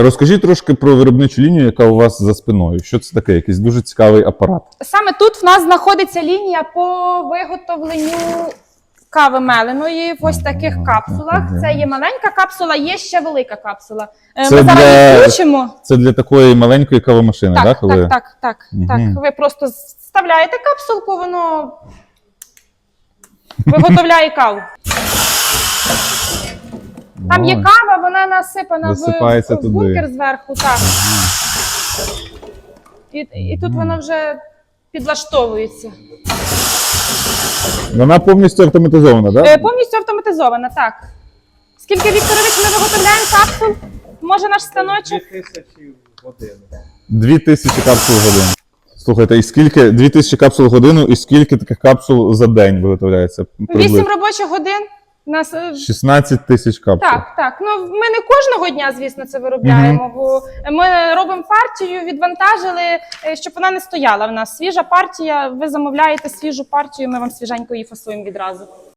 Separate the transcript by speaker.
Speaker 1: Розкажіть трошки про виробничу лінію, яка у вас за спиною. Що це таке? Якийсь дуже цікавий апарат.
Speaker 2: Саме тут в нас знаходиться лінія по виготовленню кави меленої в ось таких капсулах. Це є маленька капсула, є ще велика капсула. Ми зараз відключимо.
Speaker 1: Це для такої маленької кавомашини,
Speaker 2: так?
Speaker 1: Так, коли...
Speaker 2: Так. Ви просто вставляєте капсулку, воно виготовляє каву. Там є кава, вона насипана в бункер зверху. Так. І тут вона вже підлаштовується.
Speaker 1: Вона повністю автоматизована, так?
Speaker 2: Повністю автоматизована, так. Скільки, Вікторович, ми виготовляємо капсул? Може наш станочок?
Speaker 3: 2000 в годину.
Speaker 1: 2000 капсул в годину. Слухайте, і скільки 2000 капсул в годину, і скільки таких капсул за день виготовляється?
Speaker 2: 8 робочих годин. Нас
Speaker 1: 16 тисяч капсул.
Speaker 2: Так. Ну, ми не кожного дня, звісно, це виробляємо, бо ми робимо партію, відвантажили, щоб вона не стояла в нас. Свіжа партія, ви замовляєте свіжу партію, ми вам свіженько її фасуємо відразу.